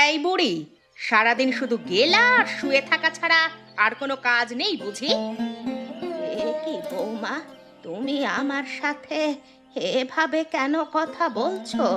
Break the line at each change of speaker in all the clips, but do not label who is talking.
এই বুড়ি, সারাদিন শুধু গেলা আর শুয়ে থাকা ছাড়া আর কোনো কাজ নেই বুঝি? এ কি বৌমা, তুমি আমার সাথে এভাবে কেন কথা বলছো?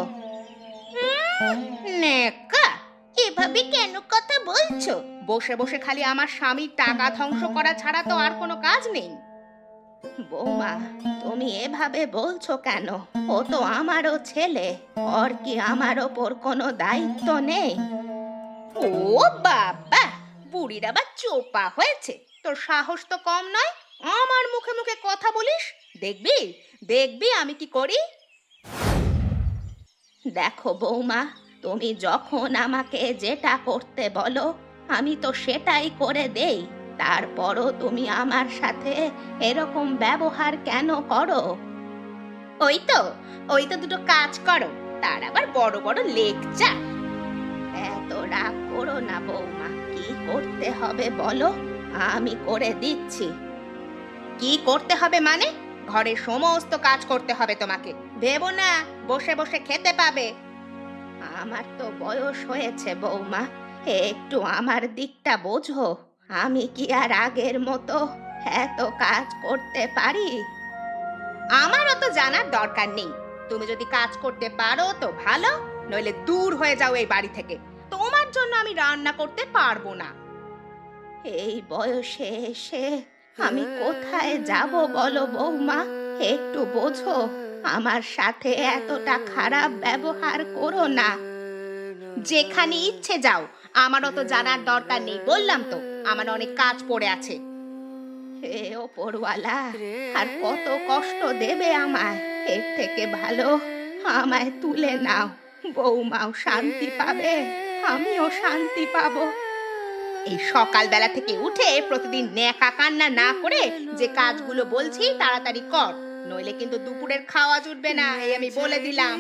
নেকা, এভাবে কেন কথা বলছো? বসে বসে খালি আমার স্বামীর টাকা ধ্বংস করা ছাড়া তো আর কোনো কাজ নেই। বৌমা, তুমি এভাবে বলছো কেন? ও তো আমারও ছেলে, ওর কি আমার ওপর কোনো দায়িত্ব নেই? ও বাবা, বুড়ির আবার চোপা হয়েছে। তোর সাহস তো কম নয়, আমার মুখে মুখে কথা বলিস। দেখবি দেখবি আমি কি করি। দেখো বৌমা, তুমি যখন আমাকে যেটা করতে বলো আমি তো সেটাই করে দেই। তারপরও তুমি আমার সাথে এরকম ব্যবহার কেন করো? ওই তো দুটো কাজ করো, তার আবার বড় বড় লেকচার। এত রাগ করো না বৌমা, কি করতে হবে বলো, আমি করে দিচ্ছি। কি করতে হবে মানে? ঘরের সমস্ত কাজ করতে হবে তোমাকে। ভেবো না বসে বসে খেতে পাবে। আমার তো বয়স হয়েছে বৌমা, একটু আমার দিকটা বোঝো। আমি কি আর আগের মতো এত কাজ করতে পারি? আমারও তো জানার দরকার নেই। তুমি যদি কাজ করতে পারো তো ভালো, নইলে দূর হয়ে যাও এই বাড়ি থেকে। তোমার জন্য আমি রান্না করতে পারবো না। এই বয়সে এসে আমি কোথায় যাব বলো বৌমা, একটু বোঝো। আমার সাথে এতটা খারাপ ব্যবহার করো না। যেখানে ইচ্ছে যাও, আমারও তো জানার দরকার নেই। বললাম তো আমার অনেক কাজ পড়ে আছে। হে ওপরওয়ালা, আর কত কষ্ট দেবে আমায়? এর থেকে ভালো আমায় তুলে নাও। বৌমাও শান্তি পাবে, আমিও শান্তি পাবো। এই সকালবেলা থেকে উঠে প্রতিদিন ন্যাকা কান্না না করে যে কাজগুলো বলছি তাড়াতাড়ি কর, নইলে কিন্তু দুপুরের খাওয়া জুটবে না, এই আমি বলে দিলাম।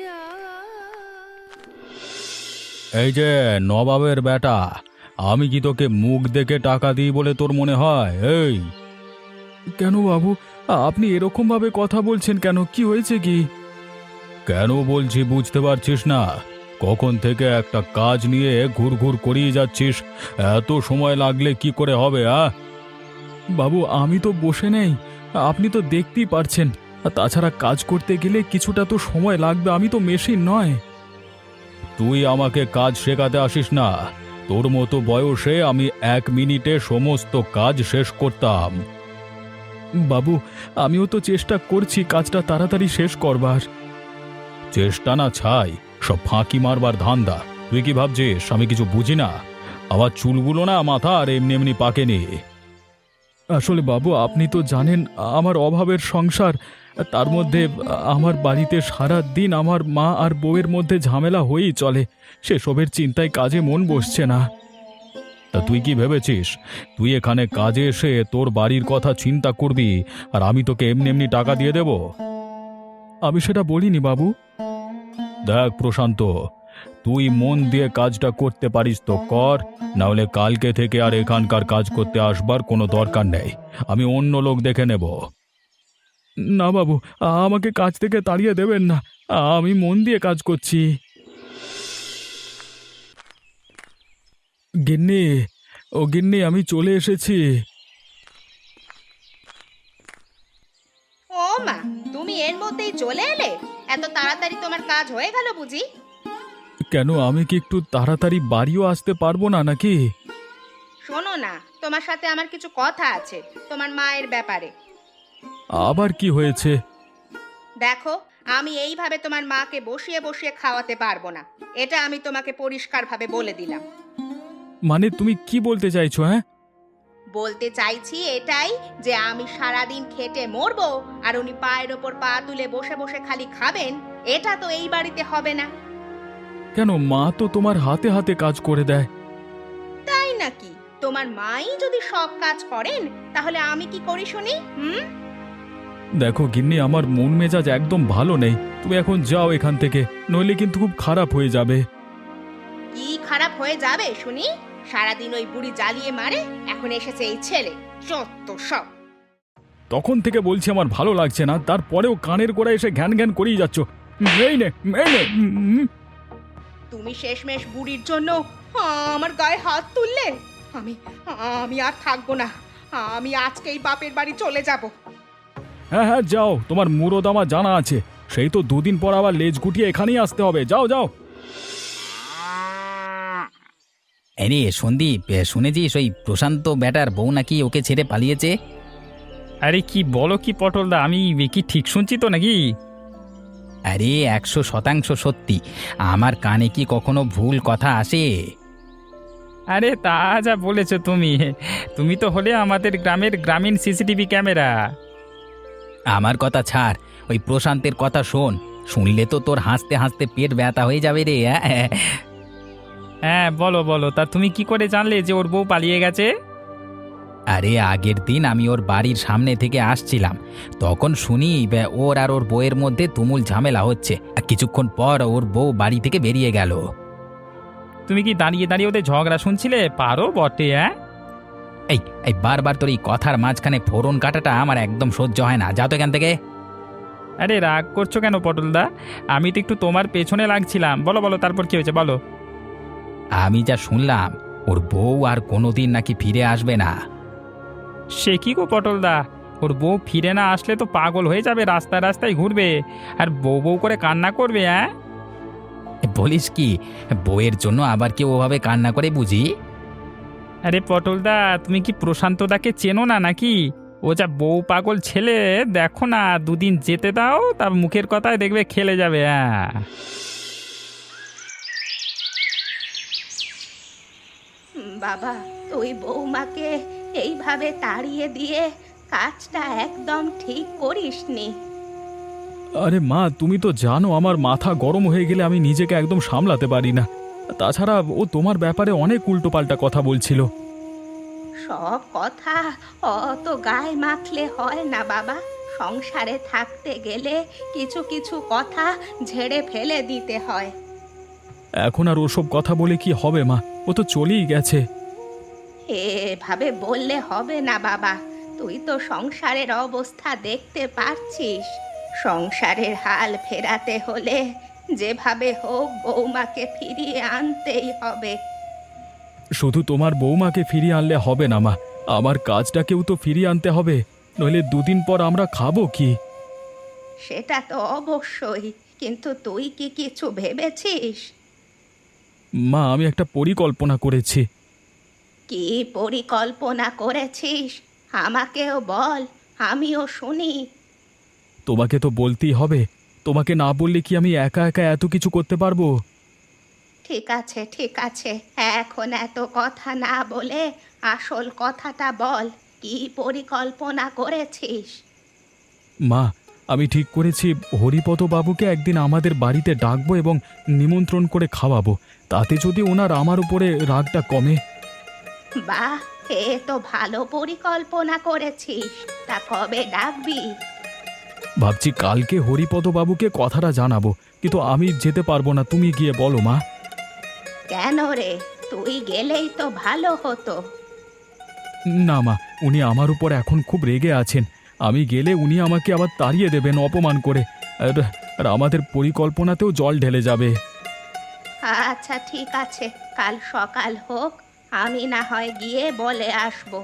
এই যে নবাবের বেটা, আমি কি তোকে মুখ দেখে টাকা দিই বলে তোর মনে হয়? এই কেন বাবু, আপনি এরকম ভাবে কথা বলছেন কেন? কি হয়েছে কি? কেন বলছি বুঝতে পারছিস না? কখন থেকে একটা কাজ নিয়ে ঘুরঘুর করিয়ে যাচ্ছিস, এত সময় লাগলে কি করে হবে? বাবু আমি তো বসে নেই, আপনি তো দেখতেই পারছেন। তাছাড়া কাজ করতে গেলে কিছুটা তো সময় লাগবে, আমি তো মেশিন নয়। তুই আমাকে কাজ শেখাতে আসিস না। তোর মতো বয়সে আমি 1 মিনিটে সমস্ত কাজ শেষ করতাম। বাবু আমিও তো চেষ্টা করছি কাজটা তাড়াতাড়ি শেষ করবার। চেষ্টা না ছাই, সব ফাঁকি মারবার ধান্দা। তুই কি ভাবছিস আমি কিছু বুঝি না? আমার চুলগুলো না মাথা আর এমনি এমনি পাকেনি। আসলে বাবু আপনি তো জানেন আমার অভাবের সংসার, তার মধ্যে আমার বাড়িতে সারা দিন আমার মা আর বউয়ের মধ্যে ঝামেলা হয়েই চলে। সেসবের চিন্তায় কাজে মন বসছে না। তা তুই কি ভেবেছিস তুই এখানে কাজে এসে তোর বাড়ির কথা চিন্তা করবি আর আমি তোকে এমনি এমনি টাকা দিয়ে দেব? আমি সেটা বলিনি বাবু। দেখ প্রশান্ত, তুই মন দিয়ে কাজটা করতে পারিস তো কর, নাহলে কালকে থেকে আর এখানকার কাজ করতে আসবার কোনো দরকার নেই। আমি অন্য লোক দেখে নেব। না বাবু, আমাকে কাজ থেকে তাড়িয়ে দেবেন না, আমি মন দিয়ে কাজ করছি। গিন্নি, ও গিন্নি আমি চলে এসেছি।
ও মা, তুমি এর মধ্যেই চলে এলে? এত তাড়াতাড়ি তোমার কাজ হয়ে গেল বুঝি?
কেন আমি কি একটু তাড়াতাড়ি বাড়িও আসতে পারবো না নাকি?
শোনো না, তোমার সাথে আমার কিছু কথা আছে তোমার মায়ের ব্যাপারে।
আবার কি হয়েছে?
দেখো, আমি এইভাবে তোমার মাকে বসিয়ে বসিয়ে খাওয়াতে পারবো না। এটা আমি তোমাকে পরিষ্কারভাবে বলে দিলাম।
মানে তুমি কি বলতে চাইছো?
বলতে চাইছি এটাই যে আমি সারাদিন খেটে মরবো আর উনি পায়ের ওপর পা তুলে বসে বসে খালি খাবেন, এটা তো এই বাড়িতে হবে না।
কেন, মা তো তোমার হাতে হাতে কাজ করে দেয়।
তাই নাকি? তোমার মাই যদি সব কাজ করেন তাহলে আমি কি করি শুনি?
দেখো গিন্নি, আমার মন মেজাজ একদম ভালো নেই। তুমি এখন যাও এখান থেকে, নইলে কিন্তু খুব খারাপ হয়ে যাবে।
কি খারাপ হয়ে যাবে শুনি? সারাদিন ওই বুড়ি জ্বালিয়ে মারে, এখন এসেছে এই ছেলে, যত সব।
তখন থেকে বলছি আমার ভালো লাগছে না, তারপরেও কানের গোড়ায় এসে ঘ্যান ঘ্যান করেই যাচ্ছ। এই নে, এই নে।
তুমি শেষমেশ বুড়ির জন্য আমার গায়ে হাত তুললে। আমি আমি আর থাকবো না। আমি আজকেই বাপের বাড়ি চলে যাব।
হ্যাঁ হ্যাঁ যাও, তোমার মুরদ আমার জানা আছে। সেই তো দুদিন পর আবার লেজ গুটিয়ে এখানেই আসতে হবে। যাও যাও।
আরে সন্দীপ, শুনেছিস ওই প্রশান্ত ব্যাটার বউ নাকি ওকে ছেড়ে পালিয়েছে?
আরে কি বলো কি পটলদা, আমি কি ঠিক শুনছি তো নাকি?
আরে 100% সত্যি। আমার কানে কি কখনো ভুল কথা আসে?
আরে তা যা বলেছো তুমি, তুমি তো হলে আমাদের গ্রামের গ্রামীণ সিসিটিভি ক্যামেরা।
আমার কথা ছাড়, ওই প্রশান্তের কথা শোন। শুনলে তো তোর হাসতে হাসতে পেট ব্যথা হয়ে যাবে রে।
হ্যাঁ বলো বলো, তা তুমি কি করে জানলে যে ওর বউ পালিয়ে গেছে?
আরে আগের দিন আমি ওর বাড়ির সামনে থেকে আসছিলাম, তখন শুনি ওর আর ওর বউয়ের মধ্যে তুমুল ঝামেলা হচ্ছে। আর কিছুক্ষণ পর ওর বউ বাড়ি থেকে বেরিয়ে গেল।
তুমি কি দাঁড়িয়ে দাঁড়িয়ে ওদের ঝগড়া শুনছিলে? পারো বটে। হ্যাঁ
এই এই বারবার তোর এই কথার মাঝখানে ফোড়ন কাটাটা আমার একদম সহ্য হয় না। যাও তো এখান থেকে।
আরে রাগ করছো কেন পটলদা? আমি তো একটু তোমার পেছনে লাগছিলাম। বলো বলো, তারপর কি হয়েছে বলো।
আমি যা শুনলাম, ওর বউ আর কোনোদিন নাকি ফিরে আসবে না।
সে কি গো পটলদা, ওর বউ ফিরে না আসলে তো পাগল হয়ে যাবে, রাস্তায় রাস্তায় ঘুরবে আর বউ বউ করে কান্না করবে। হ্যাঁ
বলিস কি? বউয়ের জন্য আবার কেউ ওভাবে কান্না করে বুঝি?
আরে পটলদা, তুমি কি প্রশান্তদাকে চেনো না নাকি? ও যা বউ পাগল ছেলে, দেখো না, দুদিন যেতে দাও, তার মুখের কথায় দেখবে খেলে যাবে। হ্যাঁ
বাবা, তুই বৌমাকে এইভাবে তাড়িয়ে দিয়ে কাজটা একদম ঠিক করিসনি।
আরে মা, তুমি তো জানো আমার মাথা গরম হয়ে গেলে আমি নিজেকে একদম সামলাতে পারি না। তাছাড়া ও তোমার ব্যাপারে অনেক উল্টোপাল্টা কথা বলছিল।
সব কথা অত গায়ে মাখলে হয় না বাবা। সংসারে থাকতে গেলে কিছু কিছু কথা ঝেড়ে ফেলে দিতে হয়।
এখন আর ওসব কথা বলে কি হবে মা? ও তো চলেই গেছে।
এভাবে বললে হবে না বাবা। তুই তো সংসারের অবস্থা দেখতে পারছিস। সংসারের হাল ফেরাতে হলে যেভাবে হোক বৌমাকে ফিরিয়ে আনতেই হবে।
শুধু তোমার বৌমাকে ফিরিয়ে আনলে হবে না মা, আমার কাজটাকেও তো ফিরিয়ে আনতে হবে। নইলে দুদিন পর আমরা খাবো কি?
সেটা তো অবশ্যই, কিন্তু তুই কি কিছু ভেবেছিস?
মা, আমি একটা পরিকল্পনা করেছি।
কি পরিকল্পনা করেছিস? আমাকেও বল, আমিও শুনি।
তোমাকে তো বলতেই হবে। তোমাকে না বললে কি আমি একা একা এত কিছু করতে পারবো?
ঠিক আছে ঠিক আছে, এখন এত কথা না বলে আসল কথাটা বল। কি পরিকল্পনা করেছিস?
মা, আমি ঠিক করেছি হরিপদ বাবুকে একদিন আমাদের বাড়িতে ডাকবো এবং নিমন্ত্রণ করে খাওয়াবো। তাতে যদি ওনার আমার উপরে রাগটা কমে।
বাহ, এ তো ভালো পরিকল্পনা করেছিস। তা কবে ডাকবি?
ভাবছি কালকে হরিপদ বাবুকে কথাটা জানাবো, কিন্তু আমি যেতে পারবো না। তুমি গিয়ে বলো মা।
কেন রে, তুই গেলেই তো ভালো হতো।
না মা, উনি আমার উপর এখন খুব রেগে আছেন। আমি গেলে উনি আমাকে আবার তাড়িয়ে দেবেন অপমান করে। আর আমাদের পরিকল্পনাতেও জল ঢেলে যাবে।
আচ্ছা ঠিক আছে, কাল সকাল হোক, আমি না হয় গিয়ে বলে আসবো।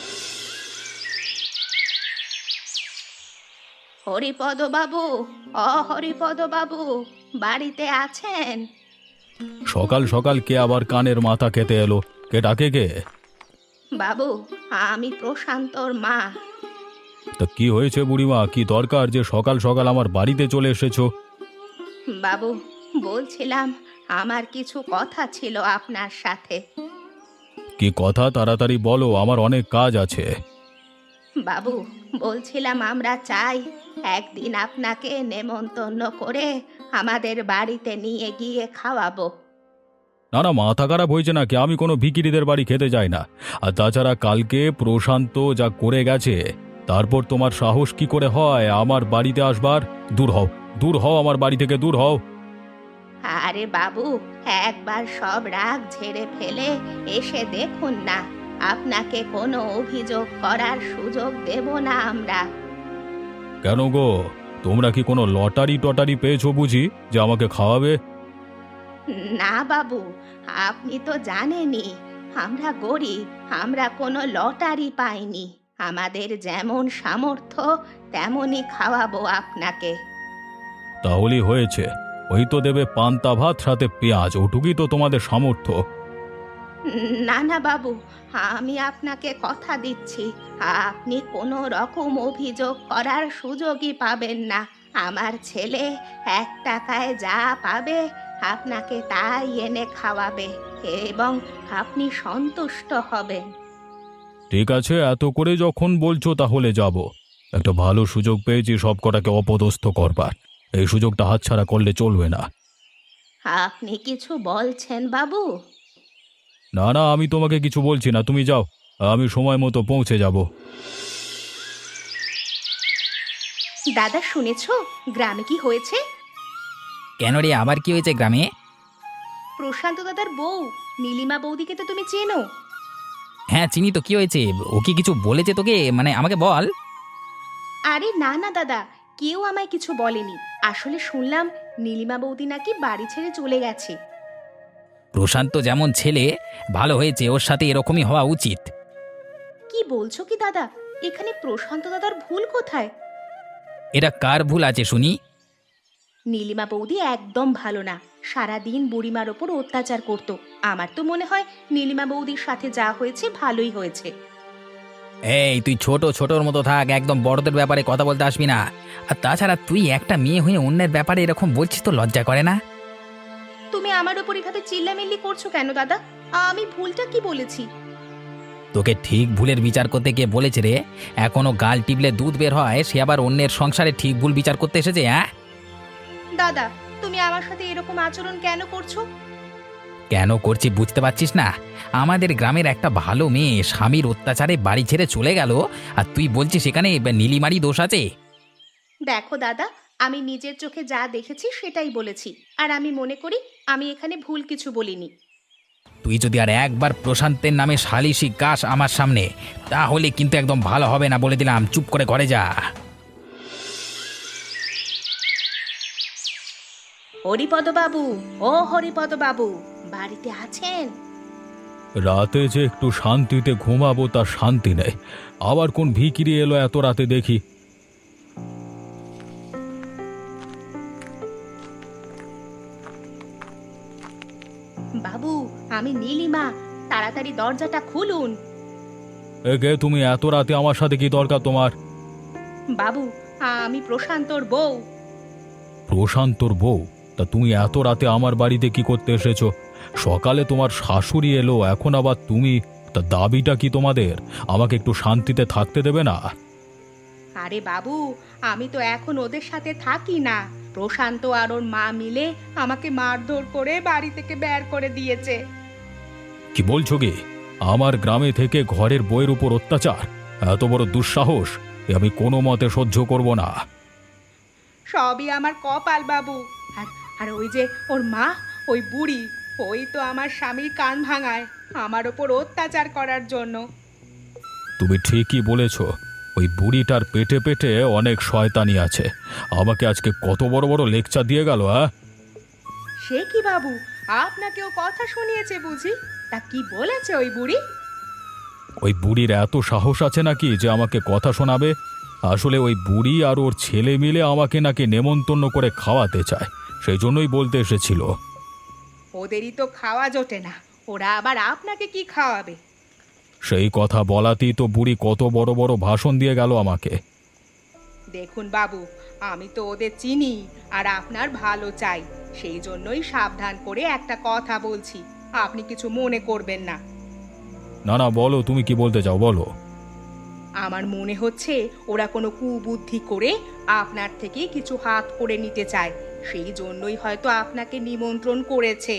হরিপদ বাবু, হরিপদ বাবু, বাড়িতে আছেন?
সকাল সকাল কে আবার কানের মাথা খেতে এলো? কে ডাকে কে?
বাবু, আমি প্রশান্তর মা।
তা কি হয়েছে বুড়িমা? কি দরকার যে সকাল সকাল আমার বাড়িতে চলে এসেছো?
বাবু, বলছিলাম আমার কিছু কথা ছিল আপনার সাথে।
কি কথা? তাড়াতাড়ি বলো, আমার অনেক কাজ আছে।
বাবু, বলছিলাম আমরা চাই একদিন আপনাকে নেমন্তন্ন করে আমাদের বাড়িতে নিয়ে গিয়ে খাওয়াবো।
না না, মাথা খারাপ হয়েছে নাকি? আমি কোনো ভিখিরিদের বাড়ি খেতে যাই না। আর তাছাড়া কালকে প্রশান্ত যা করে গেছে, তারপর তোমার সাহস কি করে হয় আমার বাড়িতে আসবার? দূর হও, দূর হও, আমার বাড়ি থেকে দূর হও।
আরে বাবু, একবার সব রাগ ঝেড়ে ফেলে এসে দেখুন না। আপনাকে কোনো অভিযোগ করার সুযোগ দেব না আমরা।
কেন গো, তোমরা কি কোনো লটারি টটারি পেয়েছো বুঝি যে আমাকে খাওয়াবে?
না বাবু, আপনি তো জানেনই আমরা গরিব, আমরা কোনো লটারি পাইনি। আমাদের যেমন সামর্থ্য তেমনই খাওয়াবো আপনাকে।
তাহলেই হয়েছে। ওই তো দেবে পান্তা ভাত সাথে পেঁয়াজ, ওটুকুই তো তোমাদের সামর্থ্য।
না না বাবু, আমি আপনাকে কথা দিচ্ছি, আপনি কোনো রকম অভিযোগ করার সুযোগই পাবেন না। আমার ছেলে 1 টাকায় যা পাবে আপনাকে তাই এনে খাওয়াবে এবং আপনি সন্তুষ্ট হবেন।
ঠিক আছে, এত করে যখন বলছো তাহলে যাব। একটা ভালো সুযোগ পেয়েছি সব কটাকে অপদস্থ করবার। এই সুযোগটা হাতছাড়া করলে চলবে না।
আপনি কিছু বলছেন বাবু?
না না, আমি তোমাকে কিছু বলছি না, তুমি যাও, আমি সময় মতো পৌঁছে যাব।
দাদা শুনেছো গ্রামে কি হয়েছে?
কেন রে, আবার কি হয়েছে গ্রামে?
প্রশান্ত দাদার বউ নীলিমা বৌদিকে তো তুমি চেনো?
হ্যাঁ চিনি তো, কি হয়েছে? ও কি কিছু বলেছে তোকে, মানে আমাকে বল।
আরে না না দাদা, কেউ আমায় কিছু বলেনি। আসলে শুনলাম নীলিমা বৌদি নাকি বাড়ি ছেড়ে চলে গেছে।
প্রশান্ত যেমন ছেলে, ভালো হয়েছে, ওর সাথে এরকমই হওয়া উচিত।
কি বলছো কি দাদা? এখানে প্রশান্ত দাদার ভুল কোথায়?
এটা কার ভুল আছে শুনি?
নীলিমা বৌদি একদম ভালো না, সারাদিন বুড়িমার ওপর অত্যাচার করত। আমার তো মনে হয় নীলিমা বৌদির সাথে যা হয়েছে ভালোই হয়েছে।
এই তুই ছোট ছোটর মতো থাক, একদম বড়দের ব্যাপারে কথা বলতে আসবি না। আর তাছাড়া তুই একটা মেয়ে হয়ে অন্যের ব্যাপারে এরকম বলছিস, তো লজ্জা করে না?
তুমি আমার ওপর এভাবে চিল্লামিল্লি করছো কেন দাদা? আমি ভুলটা কি বলেছি?
তোকে ঠিক ভুলের বিচার করতে গিয়ে বলেছে রে? এখনো গাল টিপলে দুধ বের হয়, সে আবার অন্যের সংসারে ঠিক ভুল বিচার করতে এসেছে? হ্যাঁ
দাদা, তুমি আমার সাথে এরকম আচরণ কেন করছো?
কেন করছি বুঝতে পারছিস না? আমাদের গ্রামের একটা ভালো মেয়ে স্বামীর অত্যাচারে বাড়ি ছেড়ে চলে গেল, আর তুই বলছিস সেখানে নীলিমারই দোষ আছে?
দেখো দাদা, আমি নিজের চোখে যা দেখেছি সেটাই বলেছি, আর আমি মনে করি আমি এখানে ভুল কিছু বলিনি।
তুই যদি আর একবার প্রশান্তের নামে সালিশি গাস আমার সামনে, তাহলে কিন্তু একদম ভালো হবে না, বলে দিলাম। চুপ করে ঘরে যা।
হরিপদ বাবু, ও হরিপদ বাবু, বাড়িতে আছেন?
রাতে যে একটু শান্তিতে ঘুমাবো তার শান্তি নেই। আবার কোন ভিখিরি এলো এত রাতে দেখি।
বাবু, আমি নীলিমা, তাড়াতাড়ি দরজাটা খুলুন।
একে তুমি, এত রাতে আমার সাথে কি দরকার তোমার?
বাবু, আমি প্রশান্তর বউ।
প্রশান্তর বউ? তা তুমি এত রাতে আমার বাড়িতে কি করতে এসেছো? সকালে তোমার শাশুড়ি এলো, এখন আবার তুমি? তা দাবিটা কি তোমাদের? আমাকে একটু শান্তিতে থাকতে দেবে না?
আরে বাবু, আমি তো এখন ওদের সাথে থাকি না। প্রশান্ত আর ওর মা মিলে আমাকে মারধর করে বাড়ি থেকে বের করে দিয়েছে।
কি বলছো কি? আমার গ্রামে থেকে ঘরের বউয়ের উপর অত্যাচার? এত বড় দুঃসাহস! এ আমি কোনো মতে সহ্য করব না।
সবই আমার কপাল বাবু। আর আর ওই যে ওর মা, ওই বুড়ি, ওই তো আমার স্বামীর কান ভাঙায় আমার ওপর অত্যাচার করার জন্য।
তুমি ঠিকই বলেছ, ওই বুড়িটার পেটে পেটে অনেক শয়তানি আছে। আমাকে আজকে কত বড় বড় লেকচার দিয়ে গেল।
সে কি বাবু, আপনাকেও কথা শুনিয়েছে বুঝি? তা কি বলেছে ওই বুড়ি?
ওই বুড়ির এত সাহস আছে নাকি যে আমাকে কথা শোনাবে? আসলে ওই বুড়ি আর ওর ছেলে মিলে আমাকে নাকি নেমন্তন্ন করে খাওয়াতে চায়, সেই জন্যই বলতে এসেছিল।
ওদেরই তো খাওয়া জোটে না, ওরা আবার আপনাকে কি খাওয়াবে?
সেই কথা বলাতেই তো বুড়ি কত বড় বড় ভাষণ দিয়ে গেল আমাকে।
দেখুন বাবু, আমি তো ওদের চিনি আর আপনার ভালো চাই, সেই জন্যই সাবধান করে একটা কথা বলছি, আপনি কিছু মনে করবেন না।
না না, বলো, তুমি কি বলতে চাও বলো।
আমার মনে হচ্ছে ওরা কোনো কুবুদ্ধি করে আপনার থেকে কিছু হাত করে নিতে চায়, সেই জন্যই হয়তো আপনাকে নিমন্ত্রণ করেছে।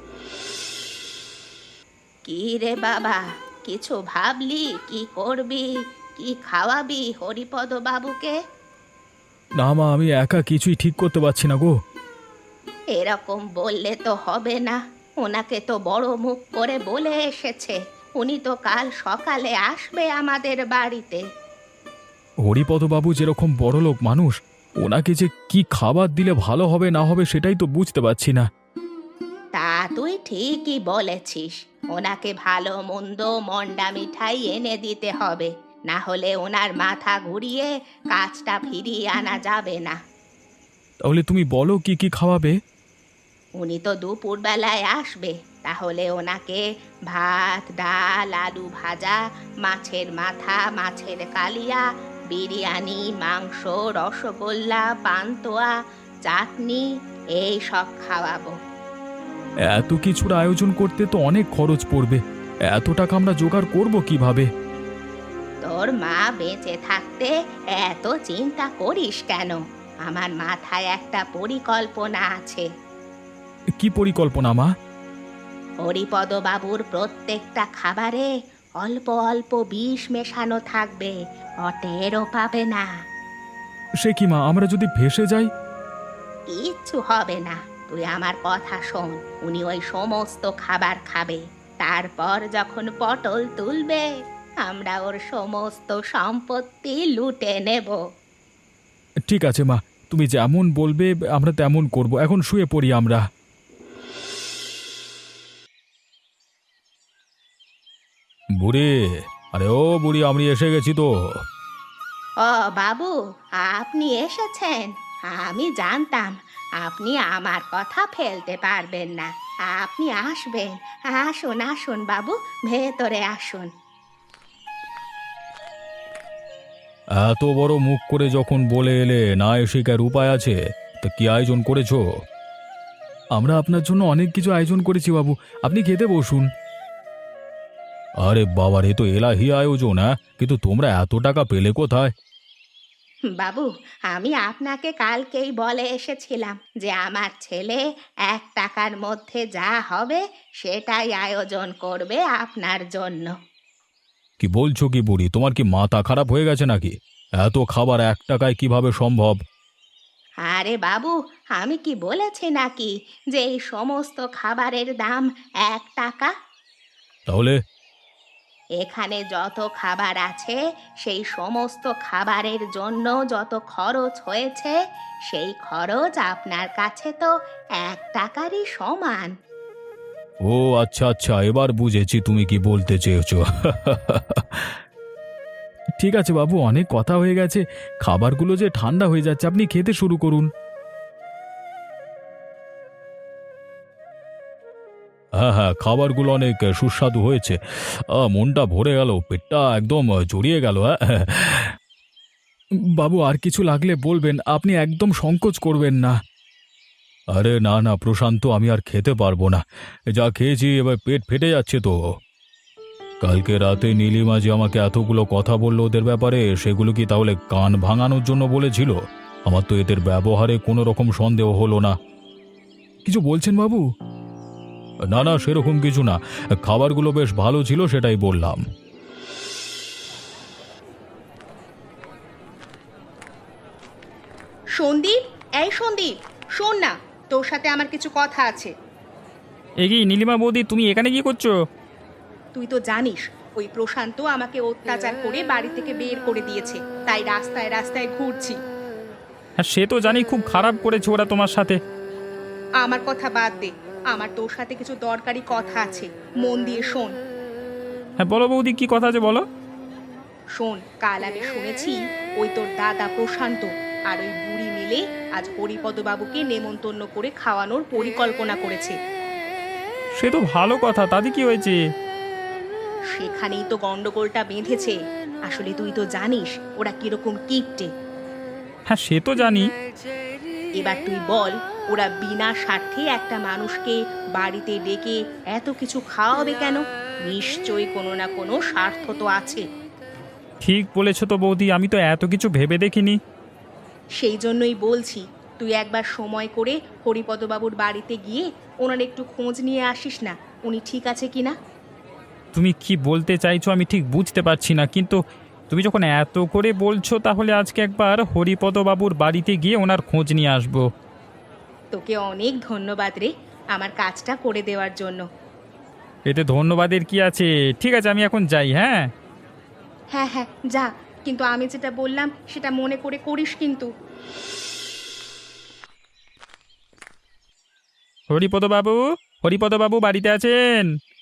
কি রে বাবা, কিছু ভাবলি? কি করবি, কি খাওয়াবি হরিপদ বাবুকে?
না মা, আমি একা কিছুই ঠিক করতে পারছি না গো।
এরকম বললে তো হবে না, ওনাকে তো বড় মুখ করে বলে এসেছে উনি তো কাল সকালে আসবে আমাদের বাড়িতে।
হরিপদবাবু যেরকম বড়লোক মানুষ, ওনাকে যে কি খাবার দিলে ভালো হবে না হবে সেটাই তো বুঝতে পারছি না।
তুই ঠিকই বলেছিস, ওনাকে ভালো মন্দ মন্ডা মিঠাই এনে দিতে হবে, না হলে ওনার মাথা ঘুরিয়ে কাজটা ফিরিয়ে আনা যাবে না।
তাহলে তুমি বলো কি কি খাওয়াবে?
উনি তো দুপুর বেলায় আসবে, তাহলে ওনাকে ভাত, ডাল, আলু ভাজা, মাছের মাথা, মাছের কালিয়া, বিরিয়ানি, মাংস, রসগোল্লা, পান্তুয়া, চাটনি এই সব খাওয়াবো।
এত কিছুর আয়োজন করতে তো অনেক খরচ পড়বে, এত টাকা আমরা জোগাড় করব কিভাবে?
তোর মা বেঁচে থাকতে এত চিন্তা করিস কেন? আমার মাথায় একটা পরিকল্পনা আছে।
কি পরিকল্পনা মা?
হরিপদ বাবুর প্রত্যেকটা খাবারে অল্প অল্প বিষ মেশানো থাকবে, অটেরও পাবে না।
সে কি মা, আমরা যদি ভেসে যাই?
কিচ্ছু হবে না, তুই আমার কথা শোন। উনি ওই সমস্ত খাবার খাবে, তারপর যখন পটল তুলবে আমরা ওর সমস্ত সম্পত্তি লুটে নেব।
ঠিক আছে মা, তুমি যেমন বলবে আমরা তেমন করব। এখন শুয়ে পড়ি আমরা। বুড়ি, আরে ও বুড়ি, আমি এসে গেছি তো।
ও বাবু, আপনি এসেছেন? আমি জানতাম আপনি আমার কথা ফেলতে পারবেন না। আপনি আসবেন। আসুন আসুন বাবু, ভেতরে আসুন।
এত বড় মুখ করে যখন বলে এলে, না এসে কার উপায় আছে? তা কি আয়োজন করেছো? আমরা আপনার জন্য অনেক কিছু আয়োজন করেছি বাবু, আপনি খেতে বসুন। আরে বাবা রে, তো এলাহি আয়োজন! হ্যাঁ, কিন্তু তোমরা এত টাকা পেলে কোথায়?
বাবু, আমি আপনাকে কালকেই বলে এসেছিলাম যে আমার ছেলে 1 টাকার মধ্যে যা হবে সেটাই আয়োজন করবে আপনার জন্য।
কি বলছো কি বুড়ি, তোমার কি মাথা খারাপ হয়ে গেছে নাকি? এত খাবার 1 টাকায় কিভাবে সম্ভব?
আরে বাবু, আমি কি বলেছি নাকি যে এই সমস্ত খাবারের দাম 1 টাকা?
তাহলে?
এখানে যত খাবার আছে সেই সমস্ত খাবারের জন্য যত খরচ হয়েছে সেই খরচ আপনার কাছে তো 1 টাকারই সমান।
ও আচ্ছা আচ্ছা, এবার বুঝেছি তুমি কি বলতে চেয়েছো। ঠিক আছে বাবু, অনেক কথা হয়ে গেছে, খাবারগুলো যে ঠান্ডা হয়ে যাচ্ছে, আপনি খেতে শুরু করুন। হ্যাঁ হ্যাঁ, খাবারগুলো অনেক সুস্বাদু হয়েছে। মনটা ভরে গেল, পেটটা একদম জড়িয়ে গেল। হ্যাঁ বাবু, আর কিছু লাগলে বলবেন, আপনি একদম সংকোচ করবেন না। আরে না না প্রশান্ত, আমি আর খেতে পারবো না, যা খেয়েছি এবার পেট ফেটে যাচ্ছে তো। কালকে রাতে নীলিমা যে আমাকে এতগুলো কথা বললো ওদের ব্যাপারে, সেগুলো কি তাহলে কান ভাঙানোর জন্য বলেছিল? আমার তো এদের ব্যবহারে কোনো রকম সন্দেহ হলো না। কিছু বলছেন বাবু? না না, সেরকম কিছু না, খাবারগুলো বেশ ভালো ছিল সেটাই বললাম।
সন্দীপ, এই সন্দীপ, শোন না, তোর সাথে আমার কিছু কথা আছে।
এগিয়ে নীলিমা বৌদি, তুমি এখানে কি করছো?
তুই তো জানিস ওই প্রশান্ত আমাকে অত্যাচার করে বাড়ি থেকে বের করে দিয়েছে, তাই রাস্তায় রাস্তায় ঘুরছি।
হ্যাঁ, সে তো জানি, খুব খারাপ করেছে ওরা তোমার সাথে।
আমার কথা বাদ দে, আমার তোর সাথে কিছু দরকারি কথা আছে, মন দিয়ে শোন।
হ্যাঁ বলো বৌদি, কি কথা আছে বলো।
শোন, কাল আমি শুনেছি ওই তোর দাদা প্রশান্ত আর ওই বুড়ি মিলে আজ হরিপদ বাবুকে নেমন্তন্ন করে খাওয়ানোর পরিকল্পনা করেছে।
সে তো ভালো কথা, তাতে কি হয়েছে?
সেখানেই তো গন্ডগোলটা বেঁধেছে। আসলে তুই তো জানিস ওরা কিরকম কিপটে।
হ্যাঁ সে তো জানি।
এবার তুই বল, ওরা বিনা স্বার্থে একটা মানুষকে বাড়িতে ডেকে এত কিছু খাওয়াবে কেন? নিশ্চয়ই কোনো না কোনো স্বার্থ তো আছে।
ঠিক বলেছো তো বৌদি, আমি তো এত কিছু ভেবে দেখিনি।
সেই জন্যই বলছি, তুই একবার সময় করে হরিপদবাবুর বাড়িতে গিয়ে ওনার একটু খোঁজ নিয়ে আসিস না, উনি ঠিক আছে কিনা।
তুমি কি বলতে চাইছো আমি ঠিক বুঝতে পারছি না, কিন্তু তুমি যখন এত করে বলছো তাহলে আজকে একবার হরিপদ বাবুর বাড়িতে গিয়ে ওনার খোঁজ নিয়ে আসবো।
তোকে অনেক ধন্যবাদ রে আমার কাজটা করে দেওয়ার জন্য।
এতে ধন্যবাদের কি আছে? ঠিক আছে, আমি এখন যাই। হ্যাঁ
হ্যাঁ হ্যাঁ যা, কিন্তু আমি যেটা বললাম সেটা মনে করে করিস কিন্তু।
হরিপদ বাবু, হরিপদবাবু বাড়িতে আছেন?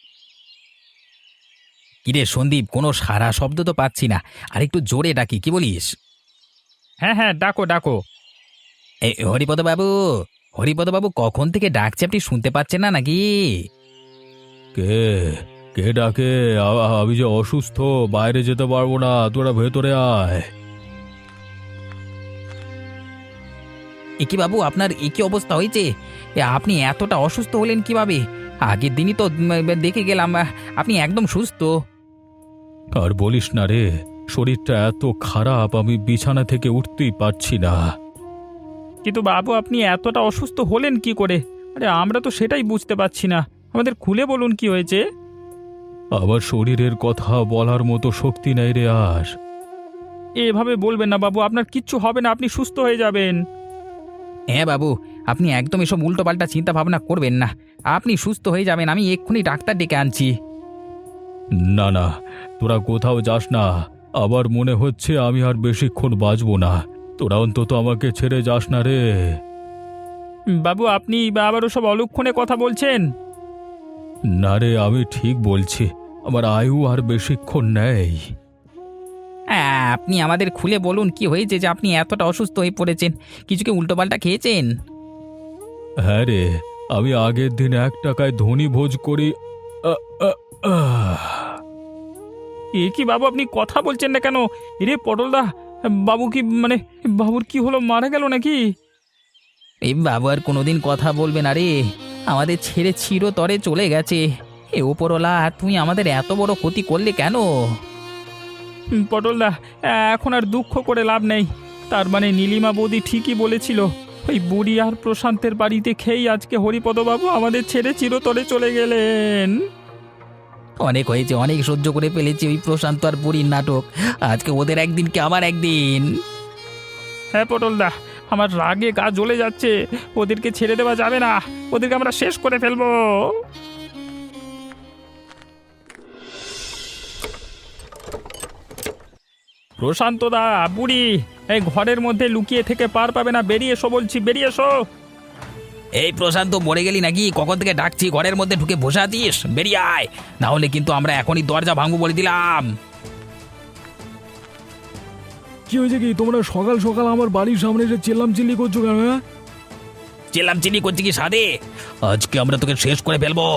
কিরে সন্দীপ, কোনো সারা শব্দ তো পাচ্ছি না। আর একটু জোরে ডাকি, কি বলিস?
হ্যাঁ হ্যাঁ, ডাকো ডাকো।
এই হরিপদবাবু, হরিপদবাবু কখন থেকে ডাকছে, আপনি শুনতে পাচ্ছেন না নাকি?
কে কে ডাকে? আমি যে অসুস্থ, বাইরে যেতে পারবো না, তোরা ভেতরে আয়।
একি বাবু, আপনার একই অবস্থা হয়েছে? আপনি এতটা অসুস্থ হলেন কিভাবে? আগের দিনই তো দেখে গেলাম আপনি একদম সুস্থ।
আর বলিস না রে, শরীরটা এত খারাপ, আমি বিছানা থেকে উঠতেই পারছি না।
কিন্তু বাবু, আপনি এতটা অসুস্থ হলেন কি করে? আরে আমরা তো সেটাই বুঝতে পারছি না। আমাদের খুলে বলুন কি হয়েছে।
আমার শরীরের কথা বলার মতো শক্তি নেই রে আর।
এভাবে বলবেন না বাবু, আপনার কিচ্ছু হবে না, আপনি সুস্থ হয়ে যাবেন।
হ্যাঁ বাবু, আপনি একদম এসব উল্টোপাল্টা চিন্তা ভাবনা করবেন না। আপনি সুস্থ হয়ে যাবেন, আমি এক্ষুনি ডাক্তার ডেকে আনছি।
না না, তোরা কোথাও যাস না। আবার মনে হচ্ছে আমি আর বেশিক্ষণ বাঁচবো না। তোরা অন্তত আমাকে ছেড়ে যাস না রে।
বাবু, আপনি আবারও সব অলক্ষণে কথা বলছেন।
না রে, আমি ঠিক বলছি, আমার আয়ু আর বেশিক্ষণ নেই।
আপনি আমাদের খুলে বলুন কি হয়েছে যে আপনি এতটা অসুস্থ হয়ে পড়েছেন? কিছু কি উল্টোপাল্টা খেয়েছেন?
হ্যাঁ রে, আমি আগের দিন 1 টাকায় ধনী ভোজ করি। আ, আ, আহ।
এ কি বাবু, আপনি কথা বলছেন না কেন? রে পটলদা, বাবু কি মানে বাবুর কি হলো, মারা গেল নাকি?
এই বাবু আর কোনোদিন কথা বলবে না রে, আমাদের ছেড়ে চিরতরে চলে গেছে। এ ওপরওয়ালা, তুমি আমাদের এত বড় ক্ষতি করলে কেন?
পটলদা, এখন আর দুঃখ করে লাভ নেই। তার মানে নীলিমা বৌদি ঠিকই বলেছিল, ওই বুড়ি আর প্রশান্তের বাড়িতে খেয়েই আজকে হরিপদবাবু আমাদের ছেড়ে চিরতরে চলে গেলেন।
অনেক হয়েছে, অনেক সহ্য করে ফেলেছি ওই প্রশান্ত আর বুড়ির নাটক। আজকে ওদের একদিন কি আমার একদিন?
হ্যাঁ পটলদা, আমার রাগে গা জ্বলে যাচ্ছে। ওদেরকে ছেড়ে দেওয়া যাবে না, ওদেরকে আমরা শেষ করে ফেলবো। প্রশান্তদা, বুড়ি, এই ঘরের মধ্যে লুকিয়ে থেকে পার পাবে না, বেরিয়ে এসো বলছি, বেরিয়ে এসো।
এই প্রশান্ত, মরে গেলি নাকি? কখন থেকে ডাকছি, ঘরের মধ্যে ঢুকে বসে আছিস? বেরিয়ে আয়, না হলে কিন্তু আমরা এখনই দরজা ভাঙবো বলে দিলাম।
কি হয়েছে কি? তোমরা সকাল সকাল আমার বাড়ির সামনে এসে চিল্লাম চিল্লি করছো কেন? হ্যাঁ,
চেলাম চিনি করছি কি সাদে? আজকে আমরা তোকে শেষ করে ফেলবো।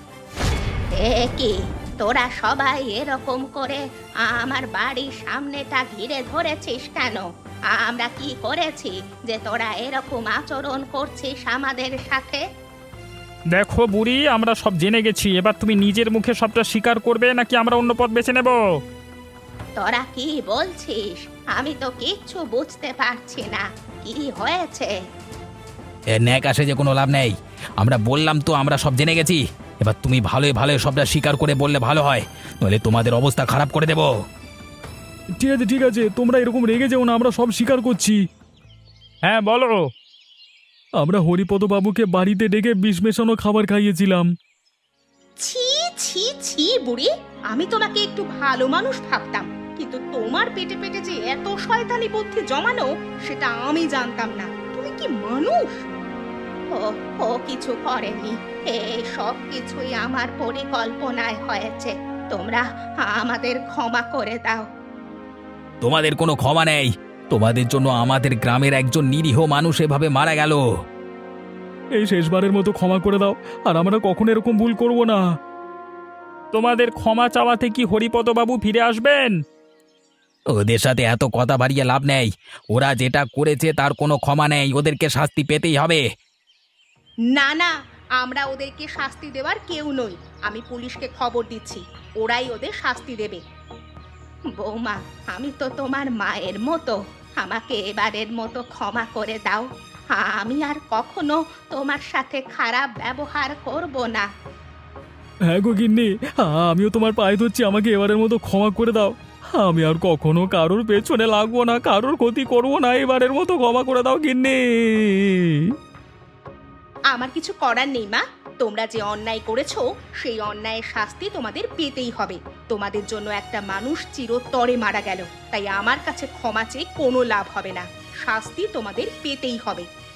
এ কি, তোরা সবাই এরকম করে আমার বাড়ির সামনেটা ঘিরে ধরেছিস কেন? আমরা কি করেছি যে তোরা এরকম আচরণ করছিস আমাদের সাথে?
দেখো বুড়ি, আমরা সব জেনে গেছি। এবার তুমি নিজের মুখে সবটা স্বীকার করবে নাকি আমরা অন্য পথ বেছে নেব?
তোরা কি বলছিস? আমি তো কিচ্ছু বুঝতে পারছি না, কি হয়েছে?
এর ন্যাক আসে যে কোনো লাভ নেই। আমরা বললাম তো, আমরা সব জেনে গেছি। এবার তুমি ভালোই ভালোই সবটা স্বীকার করে বললে ভালো হয়, নইলে তোমাদের অবস্থা খারাপ করে দেবো।
ঠিক আছে ঠিক আছে, তোমরা এরকম রেগে যেও না, আমরা সব স্বীকার করছি।
হ্যাঁ বলো।
আমরা হরিপদ বাবুকে বাড়িতে ডেকে বিষ মেশানো খাবার খাইয়েছিলাম।
ছি ছি ছি বুড়ি, আমি তোমাকে একটু ভালো মানুষ ভাবতাম, কিন্তু তোমার পেটে পেটে যে এত শয়তানি বুদ্ধি জমানো, সেটা আমি জানতাম না। তুমি কি মানুষ? ও ও কিছু করেনি, এই সব কিছুই আমার পরিকল্পনায় হয়েছে। তোমরা আমাদের ক্ষমা করে দাও।
তোমাদের কোনো ক্ষমা নেই। তোমাদের জন্য আমাদের গ্রামের একজন নিরীহ মানুষ এভাবে মারা গেল।
এই শেষবারের মতো ক্ষমা করে দাও, আর আমরা কখনো এরকম ভুল করব না।
তোমাদের ক্ষমা চাওয়াতে কি হরিপদবাবু ফিরে আসবেন?
ওদের সাথে এত কথা বাড়িয়ে লাভ নেই। ওরা যেটা করেছে তার কোনো ক্ষমা নেই, ওদেরকে শাস্তি পেতেই হবে।
না না, আমরা ওদেরকে শাস্তি দেওয়ার কেউ নই। আমি পুলিশকে খবর দিচ্ছি, ওরাই ওদের শাস্তি দেবে। বৌমা, আমি তো তোমার মায়ের মতো, আমাকে এবারের মতো ক্ষমা করে দাও। আমি আর কখনো তোমার সাথে খারাপ ব্যবহার করব না।
হ্যাঁ গো গিন্নি, আমিও তোমার পায়ে ধরছি, আমাকে এবারের মতো ক্ষমা করে দাও। আমি আর কখনো কারোর পেছনে লাগবো না, কারোর ক্ষতি করবো না, এবারের মতো ক্ষমা করে দাও গিন্নি।
আমার কিছু করার নেই মা, তোমরা যে অন্যায় করেছো সেই অন্যায়ের শাস্তি তোমাদের পেতেই হবে। তোমাদের জন্য একটা মানুষ চিরতরে মারা গেল, তাই আমার কাছে ক্ষমা চেয়ে কোনো লাভ হবে না, শাস্তি তোমাদের পেতেই হবে।